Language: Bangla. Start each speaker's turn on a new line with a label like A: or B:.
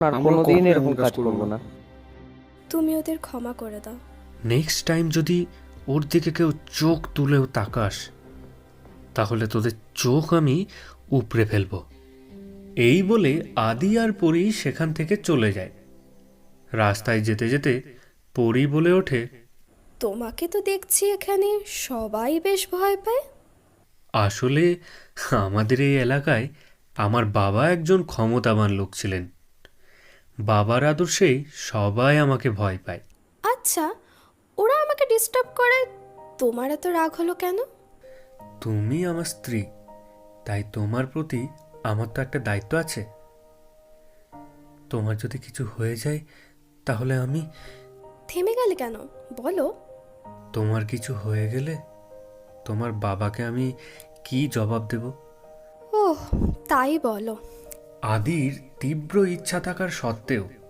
A: আর
B: আমরা
A: কোনোদিন
B: কখনো
A: এরকম
B: এমন
A: কাজ
B: কাজ করব
A: করবো
B: না।
A: না।
C: তুমি ওদের ক্ষমা করে দাও।
D: নেক্সট টাইম যদি ওর দিকে কেউ চোখ তুলেও তাকাস, তাহলে তোদের চোখ আমি উপড়ে ফেলব। এই বলে আদি আর পরি সেখান থেকে চলে যায়। রাস্তায় যেতে যেতে পরি বলে ওঠে,
C: তোমাকে তো দেখছি এখানে সবাই বেশ ভয় পায়।
D: আসলে আমাদের এই এলাকায় আমার বাবা একজন ক্ষমতাবান লোক ছিলেন। বাবার আদর্শেই সবাই আমাকে ভয় পায়।
C: আচ্ছা, ওরা আমাকে ডিস্টার্ব করে, তোমার এত রাগ হলো কেন?
D: তুমি আমার স্ত্রী, তাই তোমার প্রতি আমার তো একটা দায়িত্ব আছে। তোমার যদি কিছু হয়ে যায় তাহলে আমি।
C: থেমে গেলে কেন, বলো।
D: তোমার কিছু হয়ে গেলে তোমার বাবাকে আমি কি জবাব দেব?
C: ওহ, তাই বলো।
D: আদির তীব্র ইচ্ছা থাকার সত্ত্বেও